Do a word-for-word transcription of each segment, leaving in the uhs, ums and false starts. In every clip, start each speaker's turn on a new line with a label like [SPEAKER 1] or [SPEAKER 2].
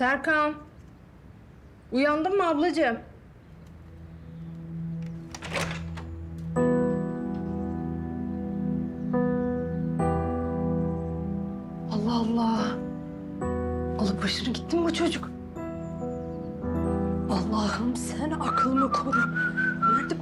[SPEAKER 1] Serkan. Uyandın mı ablacığım? Allah Allah. Alıp başını gitti mi bu çocuk? Allah'ım sen aklımı koru. Nerede?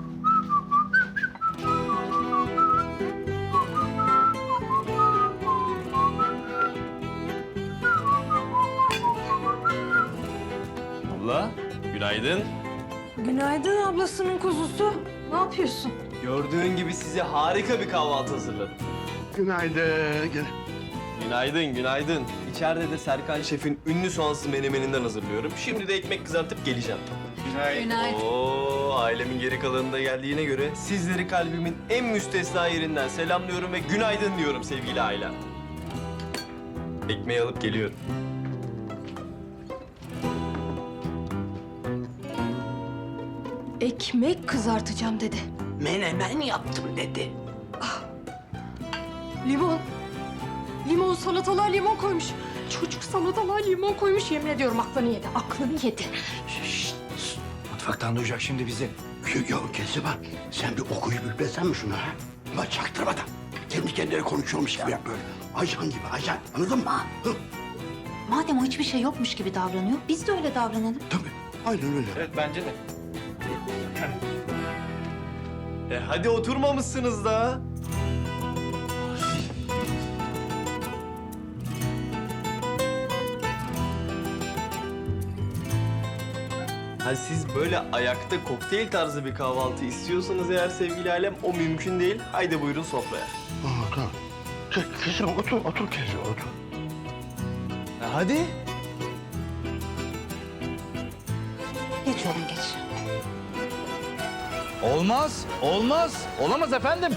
[SPEAKER 2] Abla, günaydın.
[SPEAKER 1] Günaydın ablasının kuzusu. Ne yapıyorsun?
[SPEAKER 2] Gördüğün gibi size harika bir kahvaltı hazırladım.
[SPEAKER 3] Günaydın.
[SPEAKER 2] Günaydın, günaydın. İçeride de Serkan Şef'in ünlü soğansız menemeninden hazırlıyorum. Şimdi de ekmek kızartıp geleceğim.
[SPEAKER 1] Günaydın.
[SPEAKER 2] Oo, ailemin geri kalanı da geldiğine göre sizleri kalbimin en müstesna yerinden selamlıyorum ve günaydın diyorum sevgili ailem. Ekmeği alıp geliyorum.
[SPEAKER 1] Ekmek kızartacağım dedi.
[SPEAKER 3] Menemen yaptım dedi.
[SPEAKER 1] Limon. Limon, salatalığa limon koymuş. Çocuk salatalığa limon koymuş. Yemin ediyorum aklını yedi. Aklını yedi.
[SPEAKER 3] Mutfaktan duyacak şimdi bizi.
[SPEAKER 4] Yok yok Keziba, sen bir okuyup üflesen mi şunu ha? Ama çaktırmadan. Kendi kendine konuşuyormuş gibi yap böyle. Ajan gibi ajan, anladın mı? Hı,
[SPEAKER 5] Madem o hiçbir şey yokmuş gibi davranıyor, biz de öyle davranalım.
[SPEAKER 4] tabii, aynen öyle.
[SPEAKER 2] Evet, bence de. E hadi oturmamışsınız da. Ha siz böyle ayakta kokteyl tarzı bir kahvaltı istiyorsanız eğer sevgili alem o mümkün değil. Haydi buyurun sofraya.
[SPEAKER 4] Aa, tamam. Ke- Keziba otur, otur Keziba otur.
[SPEAKER 2] E hadi.
[SPEAKER 5] Geç oğlum geç.
[SPEAKER 6] Olmaz, olmaz. Olamaz efendim.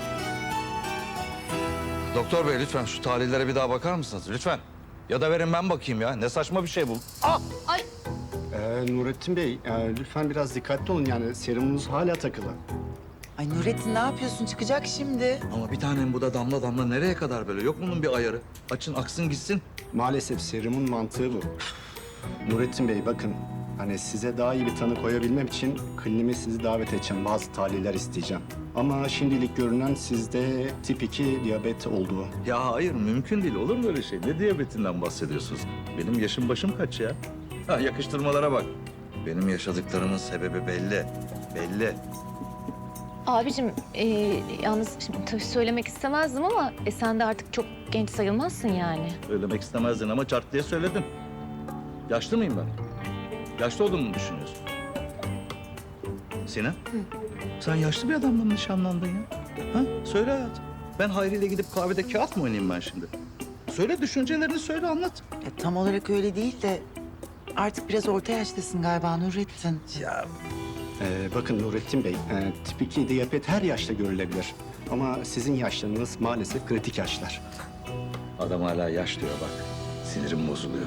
[SPEAKER 6] Doktor bey lütfen şu tarihlere bir daha bakar mısınız? Lütfen. Ya da verin ben bakayım ya. Ne saçma bir şey bu. Ah!
[SPEAKER 7] Ee, Nurettin Bey, e, lütfen biraz dikkatli olun. Yani serumunuz hala takılı.
[SPEAKER 8] Ay Nurettin ne yapıyorsun? Çıkacak şimdi.
[SPEAKER 6] Ama bir tanem bu da damla damla nereye kadar böyle? Yok bunun bir ayarı. Açın aksın gitsin.
[SPEAKER 7] Maalesef serumun mantığı bu. Nurettin Bey bakın, hani size daha iyi bir tanı koyabilmem için klinime sizi davet edeceğim. Bazı tahliller isteyeceğim. Ama şimdilik görünen sizde tip iki diyabet olduğu.
[SPEAKER 6] Ya hayır mümkün değil. Olur mu öyle şey? Ne diyabetinden bahsediyorsunuz? Benim yaşım başım kaç ya? Ha, yakıştırmalara bak. Benim yaşadıklarımın sebebi belli. Belli.
[SPEAKER 9] Abicim, e, yalnız şimdi tabii söylemek istemezdim ama e, sen de artık çok genç sayılmazsın yani.
[SPEAKER 6] Söylemek istemezdin ama çart diye söyledin. Yaşlı mıyım ben? Yaşlı olduğumu mu düşünüyorsun? Sinan, sen yaşlı bir adamla mı nişanlandın ya? Ha? Söyle hayatım. Ben Hayri ile gidip kahvede kağıt mı oynayayım ben şimdi? Söyle düşüncelerini söyle anlat.
[SPEAKER 8] Ya, tam olarak öyle değil de artık biraz orta yaştasın galiba Nurettin.
[SPEAKER 6] Ya
[SPEAKER 7] Ee, bakın Nurettin Bey, e, tip iki diyabet her yaşta görülebilir. Ama sizin yaşlarınız maalesef kritik yaşlar.
[SPEAKER 6] adam hala yaş diyor bak. Sinirim bozuluyor.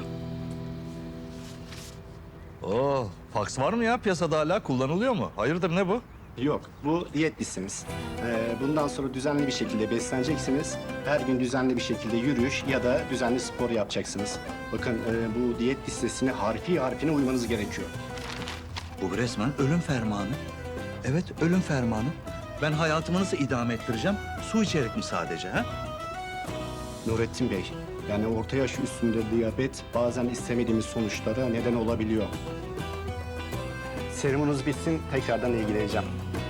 [SPEAKER 6] Oo, faks var mı ya piyasada hala kullanılıyor mu? Hayırdır ne bu?
[SPEAKER 7] Yok, bu diyet listemiz. Ee, bundan sonra düzenli bir şekilde besleneceksiniz. Her gün düzenli bir şekilde yürüyüş ya da düzenli spor yapacaksınız. Bakın e, bu diyet listesine harfi harfine uymanız gerekiyor.
[SPEAKER 6] Bu resmen ölüm fermanı. Evet, ölüm fermanı. Ben hayatımı nasıl idame ettireceğim? Su içerek mi sadece ha?
[SPEAKER 7] Nurettin Bey, yani orta yaş üstünde diyabet bazen istemediğimiz sonuçlara neden olabiliyor. Serumunuz bitsin, tekrardan ilgileneceğim.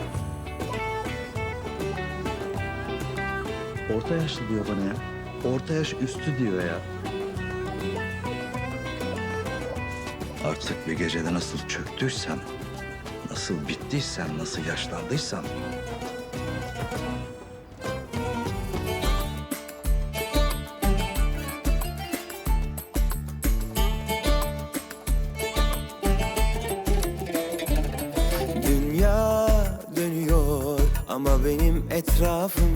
[SPEAKER 6] Orta yaşlı diyor bana ya. Orta yaş üstü diyor ya. Artık bir gecede nasıl çöktüysem, nasıl bittiysem, nasıl yaşlandıysam...
[SPEAKER 10] Dünya dönüyor ama benim etrafım